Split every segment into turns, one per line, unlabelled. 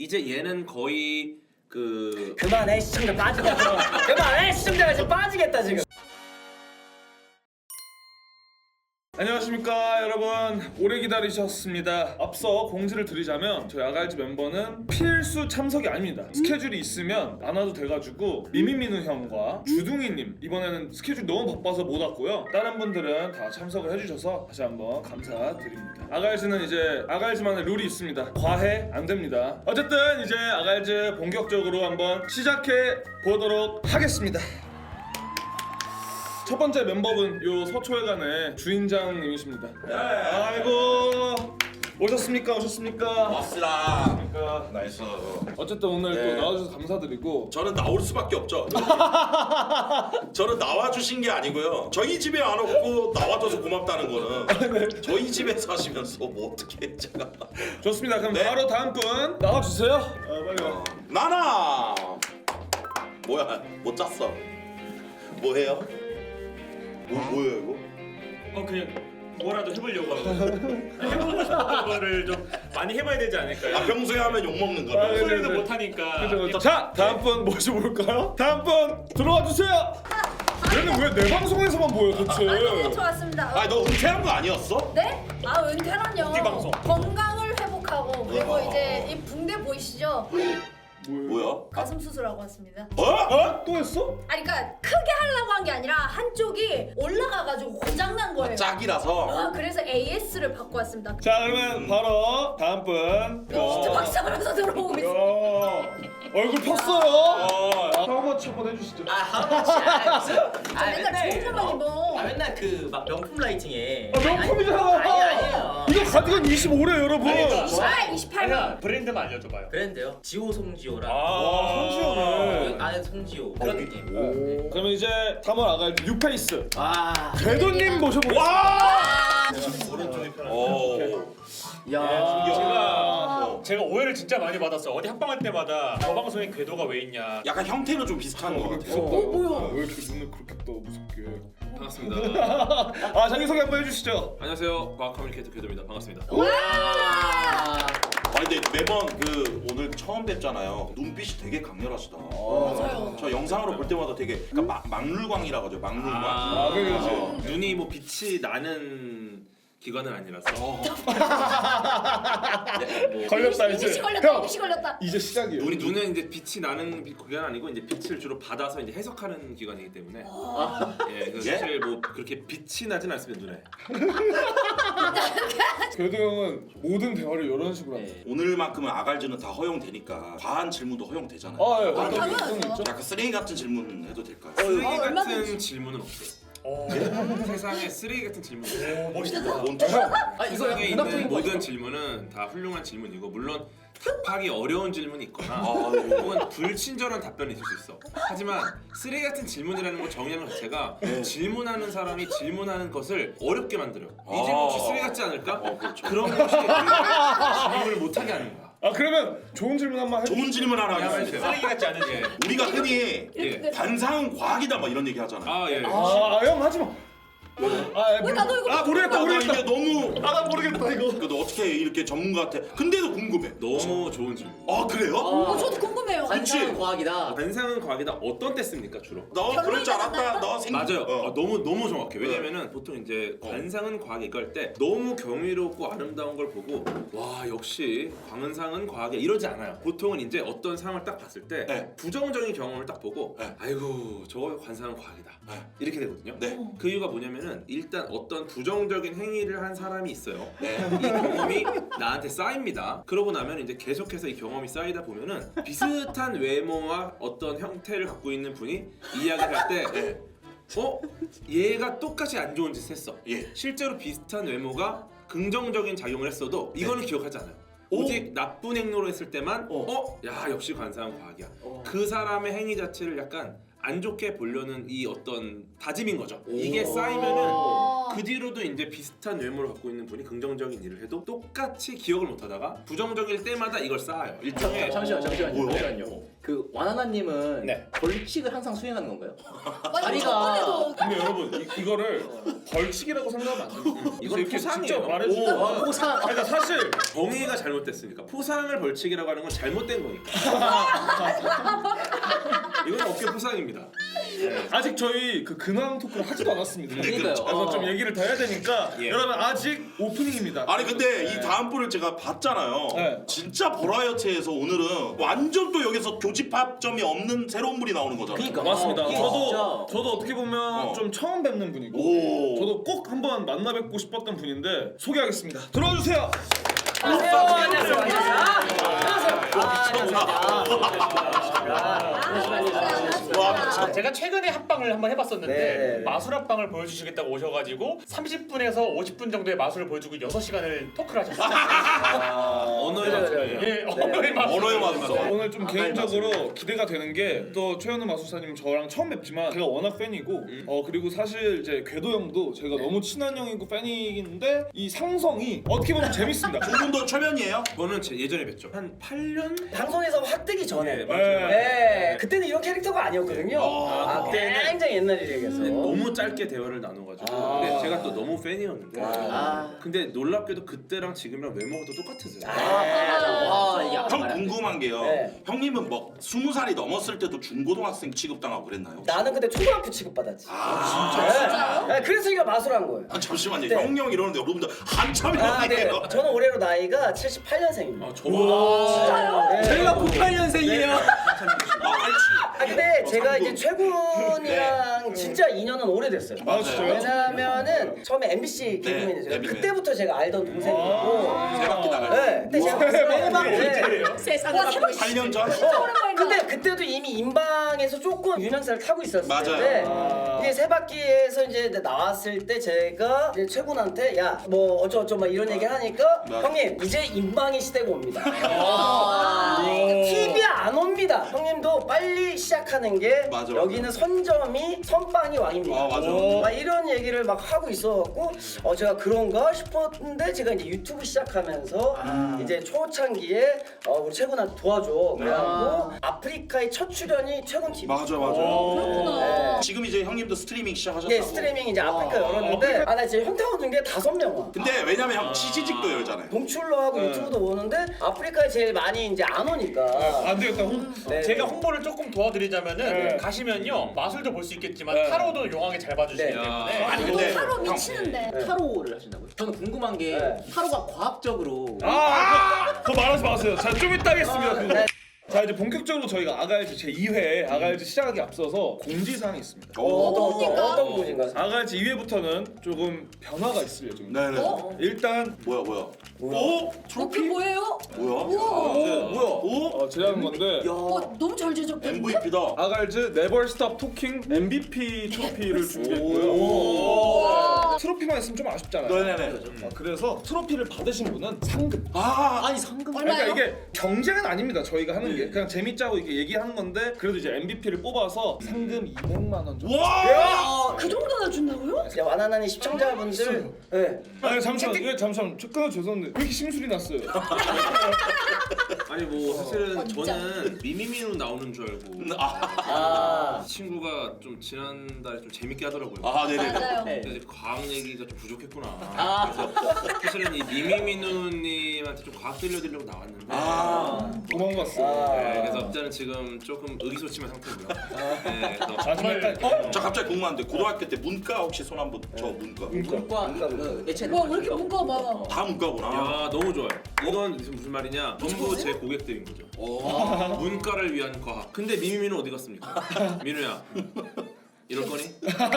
이제 얘는 거의
그만해 시청자 빠지겠다. 그만해 시청자가 지금 빠지겠다 지금.
안녕하십니까 여러분, 오래 기다리셨습니다. 앞서 공지를 드리자면 저희 아갈즈 멤버는 필수 참석이 아닙니다. 스케줄이 있으면 안 와도 돼가지고 미미민우 형과 주둥이님 이번에는 스케줄 너무 바빠서 못 왔고요. 다른 분들은 다 참석을 해주셔서 다시 한번 감사드립니다. 아갈즈는 이제 아갈즈만의 룰이 있습니다. 과해 안 됩니다. 어쨌든 이제 아갈즈 본격적으로 한번 시작해 보도록 하겠습니다. 첫 번째 멤버분 요 서초회관의 주인장님이십니다. 아이고 오셨습니까?
왔으라.
그러니까
나이스.
어쨌든 오늘
네.
또 나와주셔서 감사드리고
저는 나올 수밖에 없죠. 저는 나와주신 게 아니고요. 저희 집에 안 오고 나와줘서 고맙다는 거는 저희 집에 사시면서 뭐 어떻게 해 제가.
좋습니다. 그럼
네.
바로 다음 분 나와주세요. 빨리 와.
나나. 뭐야? 못 짰어. 뭐해요? 뭐예요 이거?
그냥 뭐라도 해보려고 해보고 싶은 거를 좀 많이 해봐야 되지 않을까요?
아 평소에 하면 욕 먹는 거.
아, 네.
소리도 못하니까.
그죠. 자 다음 분 모셔볼까요? 다음 분 들어와 주세요. 얘는 왜 내 방송에서만 보여 도대체?
너무 좋았습니다.
아너 은퇴한 거 아니었어?
네? 아 은퇴란요.
이 방송.
건강을 회복하고 그리고
와.
이제 이 붕대 보이시죠?
뭐야?
가슴 수술하고 왔습니다.
어?
또 했어?
아니 그러니까 크게 하려고 한 게 아니라 한쪽이 올라가가지고 고장난 거예요.
짝이라서.
아 그래서 AS를 받고 왔습니다.
자 그러면 바로 다음 분.
진짜 박사하면서 들어오고 있어.
야, 얼굴 폈어요. 하우머치 한번 해주시죠.
아 하우머치 무슨?
맨날 좋은 것만 입어.
맨날 그 막 명품 라이팅에.
명품이잖아.
아니에요.
이거 가디건 25래 여러분.
아 28만.
브랜드만 알려줘봐요.
브랜드요? 지호 송지호랑.
손지호네.
안에 송지호 그런 느낌.
네. 그러면 이제 3월 아갈즈 뉴페이스
아.
궤도님 모셔보겠습니다.
오.
야.
제가 오해를 진짜 많이 받았어. 어디 합방할 때마다 저 방송에 궤도가 왜 있냐.
약간 형태는 좀 비슷한 거 같아.
뭐야?
왜 이렇게 눈을 그렇게 떠 무섭게?
반갑습니다.
아 자기소개 한번 해주시죠.
안녕하세요. 과학 커뮤니케이터 궤도입니다. 반갑습니다.
아니 근데 매번 오늘 처음 뵙잖아요. 눈빛이 되게 강렬하시다.
맞아요.
저 영상으로 볼 때마다 되게 그러니까 막룰광이라고 하죠. 막룰광.
그렇지.
눈이 뭐 빛이 나는 기관은 아니라서.
걸렸다 이제.
이미지 걸렸다. 이미지 걸렸다.
이제 시작이에요.
눈은 이제 빛이 나는 기관 아니고 이제 빛을 주로 받아서 이제 해석하는 기관이기 때문에. 예, 그래서
예?
사실 뭐 그렇게 빛이 나진 않습니다 눈에.
궤도 형은 모든 대화를 이런 식으로 합니다.
오늘만큼은 아갈즈는 다 허용되니까 과한 질문도 허용되잖아요.
아 예.
아,
어떤
당연하죠.
게 있죠?
약간 쓰레기 같은 질문 해도 될까요?
쓰레기 같은
얼마든지.
질문은 없어요. 세상에 쓰레기 같은 질문.
멋있다. 뭔 뜻?
아 이거
세상에 있는
문학적인 거
모든 질문은 다 훌륭한 질문이고 물론 답하기 어려운 질문이 있거나
아유.
혹은 불친절한 답변이 있을 수 있어. 하지만 쓰레기 같은 질문이라는 걸 정의하는 것 자체가 질문하는 사람이 질문하는 것을 어렵게 만들어요. 이 질문 혹시 쓰레기 같지 않을까?
그렇죠.
그런 것이 질문을 못하게 하는 거야.
아 그러면 좋은 질문 한번 해.
좋은 질문 하나 하겠습니다.
쓰레기 같지 않은 예.
우리가 흔히
예.
관상은 과학이다 막 이런 얘기 하잖아요.
아 예.
형 하지 마.
왜 나도 이거
모르겠다.
이게 너무
나 모르겠다 이거.
너 어떻게 이렇게 전문가한테 근데도 궁금해.
너무 좋은 질문.
아 그래요?
저도 궁금해요.
관상은 과학이다.
관상은 과학이다. 어떤 때 씁니까 주로?
너 그럴 줄 알았다. 너
맞아요.
어.
너무 정확해. 왜냐면은 보통 이제 관상은 과학에 이걸 때 너무 경이롭고 아름다운 걸 보고 와 역시 관상은 과학이야 이러지 않아요. 보통은 이제 어떤 상황을 딱 봤을 때
네.
부정적인 경험을 딱 보고
네.
아이고 저거 관상은 과학이다
네.
이렇게 되거든요.
네.
그 이유가 뭐냐면은 일단 어떤 부정적인 행위를 한 사람이 있어요.
네.
이 경험이 나한테 쌓입니다. 그러고 나면 이제 계속해서 이 경험이 쌓이다 보면은 비슷한 외모와 어떤 형태를 갖고 있는 분이 이야기를 할 때 얘가 똑같이 안 좋은 짓을 했어.
예.
실제로 비슷한 외모가 긍정적인 작용을 했어도 이거는 기억하지 않아요. 오직 나쁜 행로로 했을 때만 야 역시 관상은 과학이야. 그 사람의 행위 자체를 약간 안 좋게 보려는 이 어떤 다짐인 거죠. 이게 쌓이면은 그 뒤로도 이제 비슷한 외모를 갖고 있는 분이 긍정적인 일을 해도 똑같이 기억을 못하다가 부정적일 때마다 이걸 쌓아요. 일종의
잠시만요.
뭐요?
잠시만요. 그 와나나님은
네.
벌칙을 항상 수행하는 건가요?
아니
다리가-
저번에도
근데 여러분 이거를 벌칙이라고 생각하면 안 됩니다.
이건
이렇게
포상이에요.
직접 말해주면
포상.
그러니까 사실
정의가 잘못됐으니까 포상을 벌칙이라고 하는 건 잘못된 거니까. 이건 어깨 포상입니다.
아직 저희 그 근황 토크를 하지도 않았습니다.
그러니까요.
그래서 좀 얘기를 더 해야 되니까
예.
여러분 아직 오프닝입니다.
아니 근데 이 다음 분을 제가 봤잖아요.
네.
진짜 보라이어티에서 오늘은 완전 또 여기서 교집합점이 없는 새로운 분이 나오는 거잖아요.
그러니까.
맞습니다.
이게
저도 어떻게 보면
어.
좀 처음 뵙는 분이고
오.
저도 꼭 한번 만나 뵙고 싶었던 분인데 소개하겠습니다. 들어주세요.
안녕하세요. 안녕하세요. 안녕하세요.
와,
제가 최근에 합방을 한번 해봤었는데
네.
마술 합방을 보여주시겠다고 오셔가지고 30분에서 50분 정도의 마술을 보여주고 6시간을 토크를 하셨어요.
언어의 마술이에요.
예, 언어의 마술.
언어의 마술.
오늘 좀 개인적으로 기대가 되는 게 또 최현우 마술사님 저랑 처음 뵙지만 제가 워낙 팬이고 그리고 사실 이제 궤도 형도 제가 너무 친한 형이고 팬인데 이 상성이 어떻게 보면 재밌습니다.
두 분도 초면이에요?
저는 예전에 뵀죠. 한 8년?
방송에서 확 뜨기 전에.
네, 맞아요.
네. 그때는 이런 캐릭터가 아니었거든요.
그때는
굉장히 옛날 일이겠어.
너무 짧게 대화를 나눠가지고 근데 제가 또 너무 팬이었는데 근데 놀랍게도 그때랑 지금이랑 외모가 또 똑같으세요.
와, 이게
좀 궁금한 게요.
네.
형님은 뭐 20살이 넘었을 때도 중고등학생 취급당하고 그랬나요?
나는 근데 초등학교 취급받았지.
아,
네, 그래서 이거 마술한 거예요.
아 잠시만요.
네.
형 이러는데 여러분들 한참
아, 네.
형이에요.
저는 올해로 나이가 78년생입니다.
저보다
제가 98년생이에요.
아,
근데 제가 이제 최군이랑 진짜 인연은 오래됐어요.
아 진짜요?
왜냐면은 처음에 MBC 개그맨이었어요.
개그맨.
그때부터 제가 알던 동생이고.
세 바퀴 나가요.
네, 그때 제가
세상에
8년 전?
근데 그때도 이미 인방에서 조금 유명세를 타고 있었을
맞아요.
텐데 이제 세 바퀴에서 이제 나왔을 때 제가 이제 최군한테 야 뭐 어쩌고저쩌고 막 이런 얘기 하니까
맞아.
형님 이제 인방의 시대가 옵니다. TV에 안 옵니다. 형님도 빨리 시작하는 게
맞아.
여기는 선점이 선빵이 왕입니다.
아, 맞아.
막 이런 얘기를 막 하고 있어갖고 제가 그런가 싶었는데 제가 이제 유튜브 시작하면서 이제 초창기에 우리 최군한테 도와줘 그래갖고 아프리카의 첫 출연이 최군 TV.
맞아 맞아.
네.
지금 이제 형님도 스트리밍 시작하셨다고.
네, 스트리밍 이제 아프리카 열었는데 나 지금 현타가 준 게 5명 와.
근데 왜냐면 형 치지직도 열잖아요.
동출로 하고 유튜브도 오는데 아프리카에 제일 많이 이제 안 오니까.
안 되겠다.
네.
제가 홍보를 조금 도와드리자면은
네.
가시면요 마술도 볼 수 있겠지만
네.
타로도 용하게 잘 봐주시기
네.
때문에
아니 근데
타로
형,
미치는데.
타로를 하신다고요? 저는 궁금한 게
네.
타로가 과학적으로
그거 말하지 마세요. 자, 좀 이따 하겠습니다. 그거.
네.
자, 이제 본격적으로 저희가 아가일즈 제 2회 아가일즈 시작하기 앞서서 공지사항이 있습니다.
어떤 분인가?
아가일즈 2회부터는 조금 변화가 있을 예정입니다.
네네.
일단
뭐야 뭐야.
오?
그 뭐예요?
뭐야?
우와.
제가 하는 건데
너무 잘 제작됐는데?
MVP다.
아가일즈 네버 스톱 토킹 MVP 트로피를 준비했고요.
우와.
트로피만 있으면 좀 아쉽잖아요.
네네네.
그래서 트로피를 받으신 분은 상금.
아니 상금
그러니까
얼마요?
이게 경쟁은 아닙니다. 저희가 하는 게 그냥 재밌자고 이렇게 얘기하는 건데 그래도 이제 MVP를 뽑아서 상금 200만 원 정도.
와!
그 정도나 준다고요?
이제 와나나니 시청자분들 네.
아니 잠시만, 잠시만. 끊어 죄송한데 왜 이렇게 심술이 났어요?
아니 뭐 사실은
진짜.
저는 미미미로 나오는 줄 알고
아.
이 친구가 좀 지난달에 좀 재밌게 하더라고요.
아 네네네.
맞아요.
근데 이제 과학 얘기가 좀 부족했구나. 그래서 사실은 이 미미미누님한테 좀 과학 들려드리려고 나왔는데
도망갔어.
네, 그래서 일단은 지금 조금 의기소침한 상태고요. 네, 그래서
마지막까지.
저 갑자기 궁금한데 고등학교 때 문과 혹시 손 한번 저 문과.
문과 그 예체
와, 왜 이렇게 문과가 많아?
다 문과구나.
야 너무 좋아요. 이건 무슨 말이냐? 전부 제 고객들인 거죠. 문과를 위한 과학. 근데 미미미는 어디 갔습니까? 민우야 이럴 거니?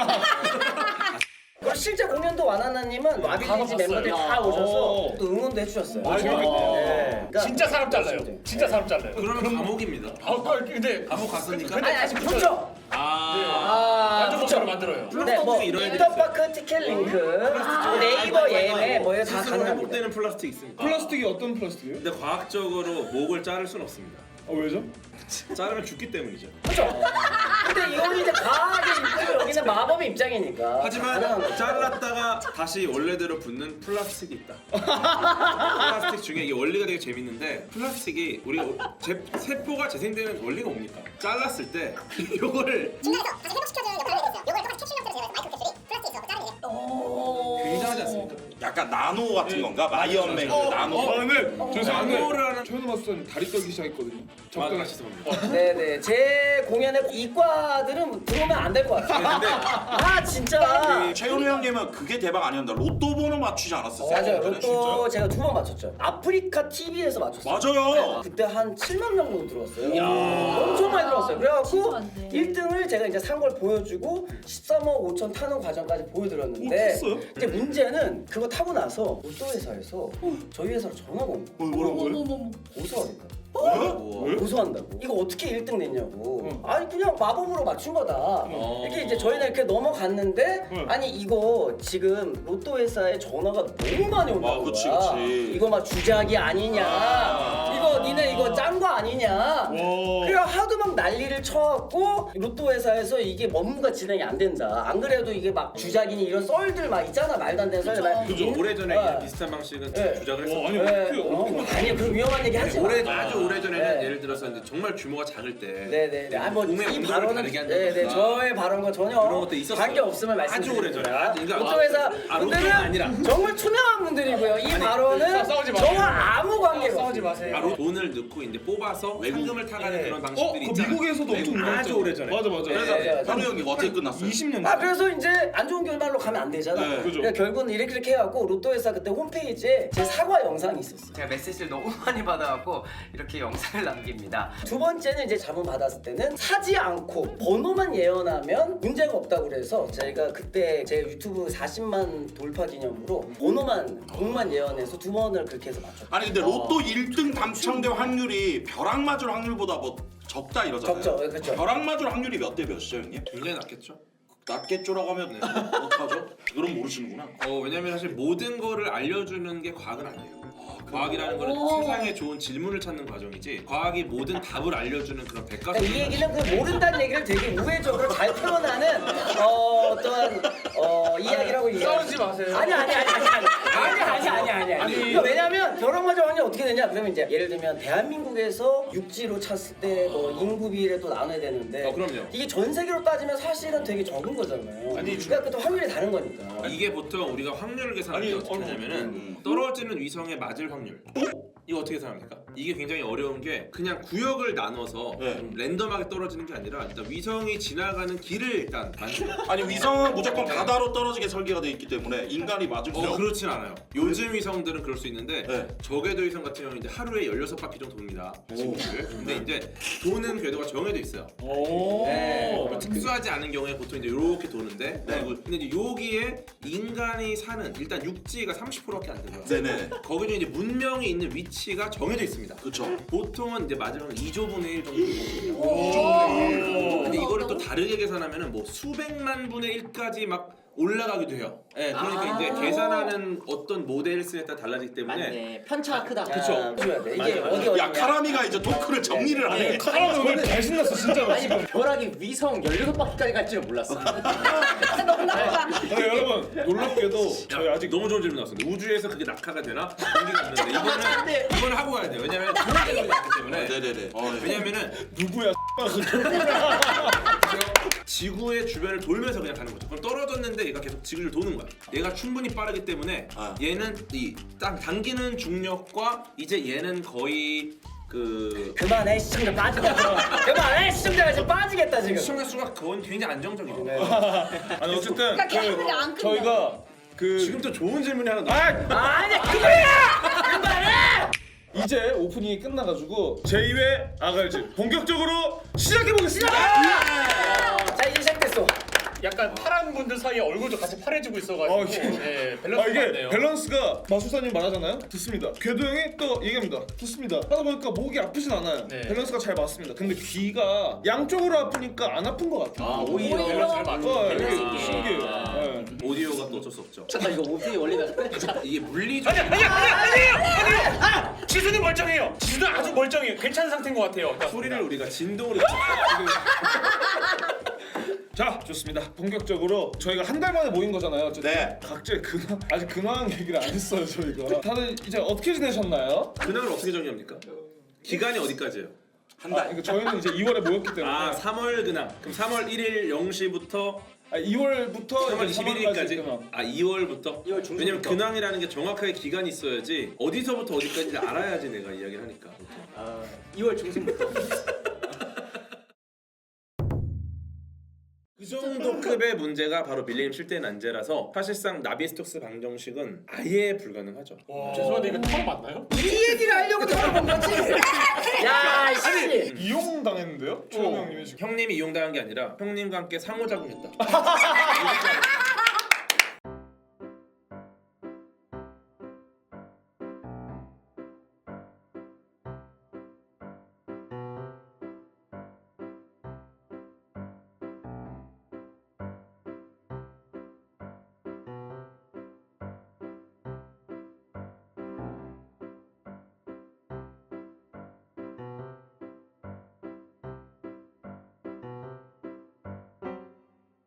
그리고 실제 공연도 와나나님은 와비리지 멤버들이 다 오셔서 또 응원도 해주셨어요. 그러니까
진짜 사람 잘라요. 진짜 사람 잘라요.
그러면 감옥입니다.
근데
감옥 갔으니까.
아니 아직 붙죠.
완전
붙죠.
목소리 만들어요.
네, 뭐
이런 애들이
인터파크 티켓 링크, 네이버 예매 뭐 이거 다
스스로
가능합니다.
회복되는 플라스틱 있습니다.
플라스틱이 어떤 플라스틱이에요?
근데 과학적으로 목을 자를 순 없습니다.
왜죠?
자르면 죽기 때문이죠.
그렇죠. 근데 이거는 이제 과학의 입장이고 여기는 마법의 입장이니까.
하지만
가능한 거죠.
잘랐다가 다시 원래대로 붙는 플라스틱이 있다. 플라스틱 중에 이게 원리가 되게 재밌는데 플라스틱이 우리가 세포가 재생되는 원리가 뭡니까? 잘랐을 때 이거를
중간에서 다시 회복시켜주는 역할을 하게 됐어요. 이걸 똑같이 캡슐 형태로 제가 마이크로 캡슐이 플라스틱에서 자르게 돼요.
굉장하지 않습니까?
약간 나노 같은 건가? 마이언맨 나노.
근데 저 사실
나노라는
최현우 마스터는 다리 떨기 시작했거든요. 적당히
맛이 있습니다.
네네 제 공연에 이과들은 들어오면 안 될 것 같아요.
근데
아 진짜.
최현우 형님은 그게 대박 아니었나? 로또 번호 맞추지 않았었어요?
맞아요.
그래?
로또 제가 2번 맞췄죠. 아프리카 TV에서 맞췄어요.
맞아요.
그때 한 7만 명 정도 들어왔어요. 엄청 많이 들어왔어요. 그래갖고
진짜 많네.
1등을 제가 이제 산 걸 보여주고 13억 5천 타는 과정까지 보여드렸는데
했어요?
이제 문제는 그거 타고 나서 로또 회사에서 저희 회사로 전화가 온 거예요.
어머머머.
고소하겠다.
우와.
고소한다고. 이거 어떻게 1등 냈냐고. 아니 그냥 마법으로 맞춘 거다. 이렇게 이제 저희는 이렇게 넘어갔는데 아니 이거 지금 로또 회사에 전화가 너무 많이 온다는
그치,
거야.
그치.
이거 막 주작이 아니냐. 이거 니네 이거 짠 거 아니냐. 그래 하도 막 난리를 쳐갖고 로또 회사에서 이게 업무가 진행이 안 된다. 안 그래도 이게 막 주작이니 이런 썰들 막 있잖아. 말도 안 되는 썰들 막.
그죠. 오래전에
네.
이런 비슷한 방식은
네.
주장을
아니
했었는데
아니 그런 위험한 얘기 하지 마.
아주 오래전에는
네.
예를 들어서 이제 정말 규모가 작을 때
네네네. 아, 뭐
봄에
이
온도를
발언은
다르게 한다든가
네네 저의 발언과 전혀
그런 것도 있었어요.
관계 없음을
아주
말씀드립니다.
오래전에. 그러니까
로또 회사
로또가
분들은
아니라.
정말 투명한 분들이고요. 이 발언은
싸우지 마세요.
저와 아무 관계가
싸우지
없습니다.
마세요.
바로 돈을 넣고 이제 뽑아서 상금을 타가는 그런 방식들이
그
있잖아요.
미국에서도 엄청
아주
유명했죠.
오래전에.
맞아 맞아.
그래서
네,
현우 형이 어떻게 끝났어요?
20년.
아 그래서 이제 안 좋은 결말로 가면 안 되잖아.
네,
그죠.
그러니까 결국은 이렇게 해갖고 로또 회사 그때 홈페이지에 제 사과 영상이 있었어요.
제가 메시지를 너무 많이 받아갖고 이렇게 영상을 남깁니다.
두 번째는 이제 자문 받았을 때는 사지 않고 번호만 예언하면 문제가 없다고 그래서 저희가 그때 제 유튜브 40만 돌파 기념으로 번호만 공만 예언해서 2번을 그렇게 해서 맞췄어요.
아니 근데 로또 1등 당첨될 확률이 벼락 맞을 확률보다 뭐 적다 이러잖아요.
적죠, 그렇죠.
벼락 맞을 확률이 몇 대 몇이죠 형님?
굉장히 낮겠죠.
낮겠죠라고 하면 어떡하죠? 그럼 모르시는구나.
왜냐면 사실 모든 거를 알려주는 게 과학은 아니에요. 과학이라는 거는 세상에 좋은 질문을 찾는 과정이지 과학이 모든 답을 알려주는 그런 백과사전.
그러니까 이 얘기는 그 모른다는 얘기를 되게 우회적으로 잘 표현하는 어떤 이야기라고 얘기해요.
싸우지 마세요.
아니. 그러니까 왜냐면 결혼 과정 확률이 어떻게 되냐? 그러면 이제 예를 들면 대한민국에서 육지로 찼을 때 뭐 인구 비례를 또 나눠야 되는데
그럼요.
이게 전 세계로 따지면 사실은 되게 적은 거잖아요. 그러니까 그또 확률이 다른 거니까.
이게 보통 우리가 확률을 계산할 때 어떻게 하냐면은 떨어지는 위성에 맞을 확률. 이거 어떻게 생각합니까? 이게 굉장히 어려운 게 그냥 구역을 나눠서
네.
랜덤하게 떨어지는 게 아니라 일단 위성이 지나가는 길을 일단 만들어.
아니 위성은 무조건 바다로 떨어지게 설계가 돼 있기 때문에 인간이 맞을 수 없어요.
그렇진 않아요. 요즘 위성들은 그럴 수 있는데
네.
저궤도 위성 같은 경우는 이제 하루에 16바퀴 정도 돕니다. 지구를. 근데 이제 도는 궤도가 정해져 있어요.
네.
특수하지 않은 경우에 보통 이제 이렇게 도는데
네.
근데 이제 여기에 인간이 사는 일단 육지가 30%밖에 안 되고요.
네네.
거기도 이제 문명이 있는 위치가 정해져 있습니다.
그렇죠.
보통은 이제 마지막은 2조분의 1 정도 되거든요. 근데 이거를 또 다르게 계산하면은 뭐 수백만 분의 1까지 막 올라가기도 해요. 네, 그러니까 이제 계산하는 어떤 모델스에 따라 달라지기 때문에
맞네. 편차가 크다.
그쵸. 줘야 돼. 이게
맞아요.
어디
야 카라미가 이제 토크를 정리를 하네.
카라는 오늘 잘 신났어 진짜로.
아니 벼락이 위성 16바퀴까지 갈 줄은 몰랐어.
너무 나빠.
아니, 여러분 놀랍게도 저희 아직
너무 좋은 질문 나왔습니다. 우주에서 그게 낙하가 되나? 공기가 안 되는데 이거는 하고 가야 돼요. 왜냐면 공기력이 낮기 때문에.
네네네.
왜냐면은
누구야?
지구의 주변을 돌면서 그냥 가는 거죠. 그럼 떨어졌는데 얘가 계속 지구를 도는 거야. 얘가 충분히 빠르기 때문에 얘는 이 딱 당기는 중력과 이제 얘는 거의
그만해 시청자 빠지겠다. 그만해 시청자가 지금 빠지겠다 지금.
시청자 수가 그건 굉장히 안정적이죠.
아니 어쨌든
그러니까 걔네들이 안 끝나.
저희가
지금 또 좋은 질문이 하나
아니 그거야. 그만해.
이제 오프닝이 끝나가지고 제2회 아갈즈 본격적으로 시작해보겠습니다.
자 이제 시작됐어.
약간 파란 분들 사이에 얼굴도 같이 파래지고 있어가지고 예,
아
밸런스가
이게
안 돼요.
밸런스가 마술사님 말하잖아요. 듣습니다. 궤도 형이 또 얘기합니다. 듣습니다. 하다 보니까 목이 아프진 않아요.
네.
밸런스가 잘 맞습니다. 근데 귀가 양쪽으로 아프니까 안 아픈 것 같아요.
아 오히려.
밸런스 잘 맞죠.
이게
밸런스 있게.
신기해요.
아.
네.
오디오가 또 어쩔 수 없죠.
아 이거 오피 원리가.
이게 물리적
아니에요. 지수는 멀쩡해요. 지수는 아주 멀쩡해요. 괜찮은 상태인 것 같아요.
소리를 우리가 진동으로
자 좋습니다. 본격적으로 저희가 한 달 만에 모인 거잖아요. 어쨌든.
네.
각자의 근황 아직 근황 얘기를 안 했어요 저희가. 다들 이제 어떻게 지내셨나요?
근황을 어떻게 정의합니까? 기간이 어디까지예요?
한 달.
그러니까 저희는 이제 2월에 모였기 때문에.
아 3월 근황. 그럼 3월 1일 0시부터
2월부터
3월 21일까지. 아 2월부터.
2월 중순부터.
왜냐면 근황이라는 게 정확하게 기간이 있어야지 어디서부터 어디까지를 알아야지 내가 이야기를 하니까.
아 2월 중순부터.
그 정도 급의 문제가 바로 밀레니엄 실대 난제라서 사실상 나비스톡스 방정식은 아예 불가능하죠.
죄송한데 이거 처음 맞나요?
이 얘기를 하려고 들어본 거지. 야 씨.
이용 당했는데요? 최영 형님이 지금.
형님이 이용당한 게 아니라 형님과 함께 상호작용했다.